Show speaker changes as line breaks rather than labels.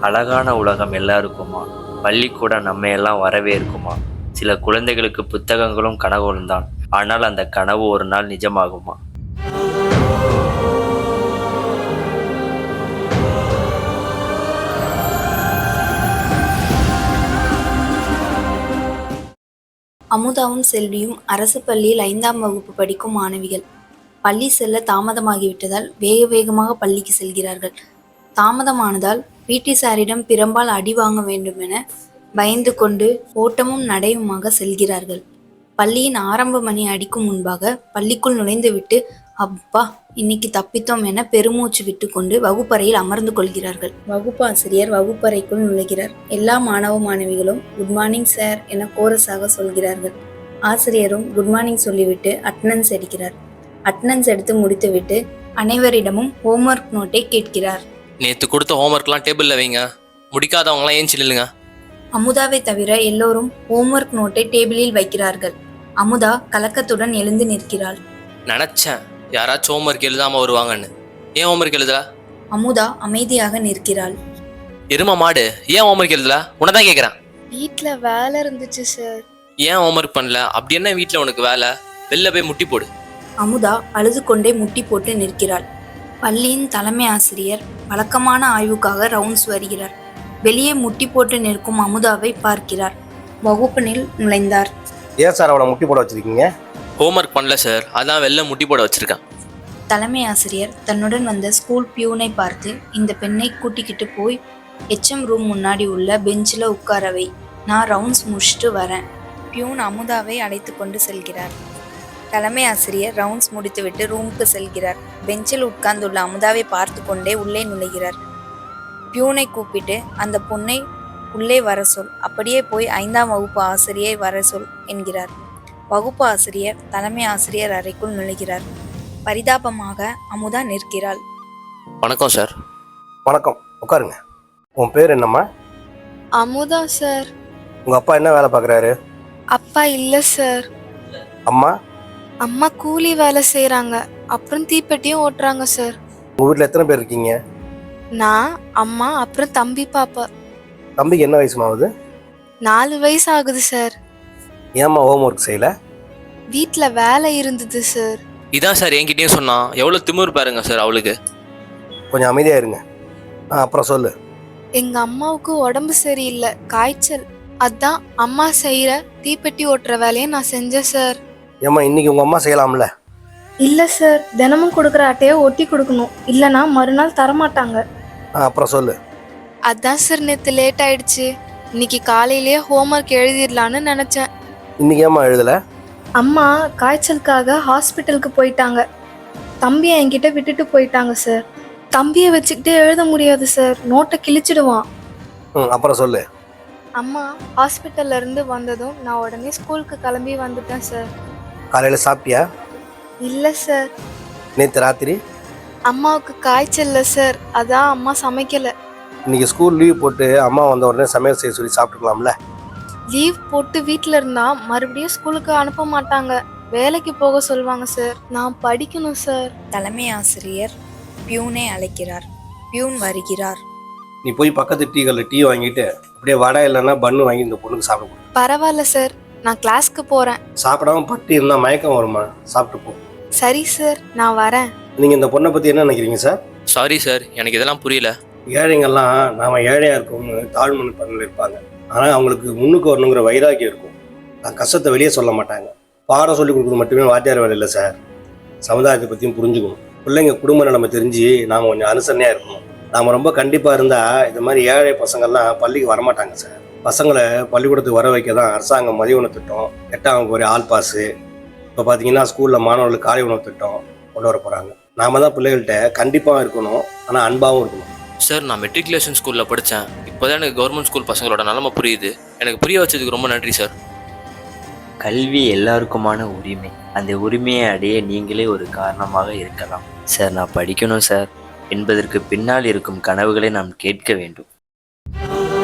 அழகான உலகம் எல்லாருக்குமா? பள்ளிக்கூடம் நம்ம எல்லாம் வரவேற்குமா? சில குழந்தைகளுக்கு புத்தகங்களும் கனவுகளும் தான். ஆனால் அந்த கனவு ஒரு நாள் நிஜமாகுமா?
அமுதாவும் செல்வியும் அரசு பள்ளியில் 5ஆம் வகுப்பு படிக்கும் மாணவிகள். பள்ளி செல்ல தாமதமாகிவிட்டதால் வேக வேகமாக பள்ளிக்கு செல்கிறார்கள். தாமதமானதால் பிடி சாரிடம் பிரம்பால் அடி வாங்க வேண்டுமென பயந்து கொண்டு ஓட்டமும் நடையுமாக செல்கிறார்கள். பள்ளியின் ஆரம்ப மணி அடிக்கும் முன்பாக பள்ளிக்குள் நுழைந்துவிட்டு அப்பா இன்னைக்கு தப்பித்தோம் என பெருமூச்சு விட்டு கொண்டு வகுப்பறையில் அமர்ந்து கொள்கிறார்கள். வகுப்பு ஆசிரியர் வகுப்பறைக்குள் நுழைகிறார். எல்லா மாணவ மாணவிகளும் குட் மார்னிங் சார் என கோரஸாக சொல்கிறார்கள். ஆசிரியரும் குட் மார்னிங் சொல்லிவிட்டு அட்டனன்ஸ் எடுக்கிறார். அட்டனன்ஸ் எடுத்து முடித்துவிட்டு அனைவரிடமும் ஹோம்ஒர்க் நோட்டை கேட்கிறார்.
நேற்று கொடுத்த ஹோம்ஒர்க்லாம் டேபிளில் வைங்க, முடிக்காதவங்களாம் ஏஞ்சி நில்லுங்க.
அமுதாவை தவிர எல்லோரும் ஹோம்ஒர்க் நோட்டை டேபிளில் வைக்கிறார்கள். அமுதா கலக்கத்துடன் எழுந்து நிற்கிறாள்.
நினச்சேன் யாராச்சும் ஹோம்ஒர்க் எழுதாமல் வருவாங்கன்னு. ஏன் ஹோம்ஒர்க் எழுதல?
அமுதா அமைதியாக நிற்கிறாள்.
எருமா மாடு, ஏன் ஹோம்ஒர்க் எழுதல? உன்னதான் கேட்குறேன்.
வீட்டில் வேலை இருந்துச்சு சார்.
ஏன் ஹோம்ஒர்க் பண்ணல? அப்படி என்ன வீட்டில் உனக்கு வேலை? வெளில போய் முட்டி போடு.
அமுதா அழுது கொண்டே முட்டி போட்டு நிற்கிறாள். பள்ளியின் தலைமை ஆசிரியர் வழக்கமான ஆய்வுக்காக ரவுண்ட்ஸ் வருகிறார். வெளியே முட்டி போட்டு நிற்கும் அமுதாவை பார்க்கிறார். வகுப்பினில் நுழைந்தார்.
ஏன் சார் அவனை முட்டி போட வச்சிருக்கீங்க?
ஹோம்ஒர்க் பண்ணல சார், அதான் வெளில முட்டி போட வச்சிருக்கேன்.
தலைமை ஆசிரியர் தன்னுடன் வந்த ஸ்கூல் பியூனை பார்த்து இந்த பெண்ணை கூட்டிக்கிட்டு போய் HM ரூம் முன்னாடி உள்ள பெஞ்சில் உட்காரவை, நான் ரவுண்ட்ஸ் முடிச்சுட்டு வரேன். பியூன் அமுதாவை அழைத்து கொண்டு செல்கிறார். தலைமை ஆசிரியர் ரவுண்ட்ஸ் முடித்துவிட்டு ரூமுக்கு செல்கிறார். பெஞ்சில் உட்கார்ந்துள்ள அமுதாவை பார்த்து கொண்டே உள்ளே நுழைகிறார். பியூனை கூப்பிட்டு அந்த பொண்ணை உள்ளே வர சொல், அப்படியே போய் 5ஆம் வகுப்பு ஆசிரியை வர சொல் என்கிறார். வகுப்பு ஆசிரியர் தலைமை ஆசிரியர் அறைக்குள் நுழைகிறார். பரிதாபமாக அமுதா நிற்கிறாள்.
வணக்கம் சார்.
வணக்கம், உட்காருங்க. உன் பேர் என்னம்மா?
அமுதா சார்.
உங்கள் அப்பா என்ன வேலை பார்க்குறாரு?
அப்பா இல்லை சார்.
அம்மா?
அம்மா கூலி வேலை செய்கிறாங்க, அப்புறம் தீப்பெட்டியும் ஓட்டுறாங்க சார்.
உங்கள் வீட்டில் எத்தனை பேர் இருக்கீங்க?
நான், அம்மா, அப்புறம் தம்பி பாப்பா.
தம்பிக்கு என்ன வயசுமா ஆகுது?
4 வயசு ஆகுது சார்.
ஏம்மா ஹோம் ஒர்க் செய்யலை?
வீட்டில் வேலை இருந்தது சார்.
இதான் சார் என்கிட்டயும் சொன்னான். எவ்வளோ திமிரு பாருங்க சார் அவளுக்கு.
கொஞ்சம் அமைதியாக இருங்க. அப்புறம் சொல்லு.
எங்கள் அம்மாவுக்கு உடம்பு சரியில்லை, காய்ச்சல். அதான் அம்மா செய்கிற தீப்பெட்டி ஓட்டுற வேலையை நான் செஞ்சேன் சார்.
ஏம்மா இன்னைக்கு உங்கள் அம்மா செய்யலாம்ல?
இல்லை சார், தினமும் கொடுக்குற அட்டையை ஒட்டி கொடுக்கணும், இல்லைனா மறுநாள் தரமாட்டாங்க.
அப்புறம் சொல்லு.
அதான் சார் நேற்று லேட் ஆயிடுச்சு. இன்னைக்கு காலையிலேயே ஹோம்ஒர்க் எழுதிடலான்னு நினச்சேன்.
இன்னைக்கு ஏம்மா எழுதலை?
அம்மா காய்ச்சலுக்காக ஹாஸ்பிட்டலுக்கு போயிட்டாங்க. தம்பியை என்கிட்ட விட்டுட்டு போயிட்டாங்க சார். தம்பியை வச்சுக்கிட்டே எழுத முடியாது சார், நோட்டை கிழிச்சிடுவான்.
அப்புறம் சொல்லு.
அம்மா ஹாஸ்பிட்டல்ல இருந்து வந்ததும் நான் உடனே ஸ்கூலுக்கு கிளம்பி வந்துட்டேன் சார்.
காலையில் சாப்பிட்டியா?
இல்லை சார்.
நேற்று ராத்திரி?
அம்மாவுக்கு காய்ச்சல்ல சார், அதான் அம்மா சமைக்கலை.
இன்னைக்கு ஸ்கூல் லீவ் போட்டு அம்மா வந்த உடனே சமையல் செய்ய சொல்லி சாப்பிட்டுக்கலாம்ல?
லீவ் போட்டு வீட்டில் இருந்தா மறுபடியும் ஸ்கூலுக்கு அனுப்ப மாட்டாங்க, வேலைக்கு போக சொல்லுவாங்க சார். நான் படிக்கணும் சார்.
தலைமை ஆசிரியர் பியூனை அழைக்கிறார். பியூன் வருகிறார்.
நீ போய் பக்கத்து டீகளில் டீ வாங்கிட்டு அப்படியே வடை இல்லைன்னா பன்னு வாங்கி இந்த பொண்ணுக்கு சாப்பிட கொடு.
பரவாயில்ல சார், நான் கிளாஸ்க்கு போகிறேன்.
சாப்பிடாம பட்டி இருந்தால் மயக்கம் வருமா? சாப்பிட்டு போ.
சரி சார், நான் வரேன்.
நீங்கள் இந்த பொண்ணை பற்றி என்ன நினைக்கிறீங்க சார்?
சாரி சார், எனக்கு இதெல்லாம் புரியல.
ஏழைங்கள்லாம் நாம் ஏழையாக இருக்கோம்னு தாழ்மனு பண்ணல இருப்பாங்க. ஆனால் அவங்களுக்கு முன்னுக்கு வரணுங்கிற வைராக்கியம் இருக்கும். நான் கஷ்டத்தை வெளியே சொல்ல மாட்டாங்க. பாடம் சொல்லி கொடுக்குறது மட்டுமே வாத்தியார் வேலை இல்லை சார். சமுதாயத்தை பற்றியும் புரிஞ்சுக்கணும். பிள்ளைங்க குடும்ப நிலைமை தெரிஞ்சு நாம் கொஞ்சம் அனுசரணையாக இருக்கணும். நாம் ரொம்ப கண்டிப்பாக இருந்தால் இது மாதிரி ஏழை பசங்கள்லாம் பள்ளிக்கு வரமாட்டாங்க சார். பசங்களை பள்ளிக்கூடத்துக்கு வர வைக்க தான் அரசாங்கம் மதிய உணவு திட்டம், 8ஆம் வகுப்பு ஒரு ஆல் பாஸு, இப்போ பார்த்தீங்கன்னா ஸ்கூலில் மாணவர்களுக்கு காலை உணவு திட்டம் கொண்டு வர போகிறாங்க. நாம தான் பிள்ளைகள்கிட்ட கண்டிப்பாக இருக்கணும், ஆனால் அன்பாகவும் இருக்கணும்.
சார், நான் மெட்ரிகுலேஷன் ஸ்கூலில் படித்தேன். இப்போ தான் எனக்கு கவர்மெண்ட் ஸ்கூல் பசங்களோட நிலமை புரியுது. எனக்கு புரிய வச்சதுக்கு ரொம்ப நன்றி சார்.
கல்வி எல்லாருக்குமான உரிமை. அந்த உரிமையை அடைய நீங்களே ஒரு காரணமாக இருக்கலாம். சார், நான் படிக்கணும் சார் என்பதற்கு பின்னால் இருக்கும் கனவுகளை நாம் கேட்க வேண்டும்.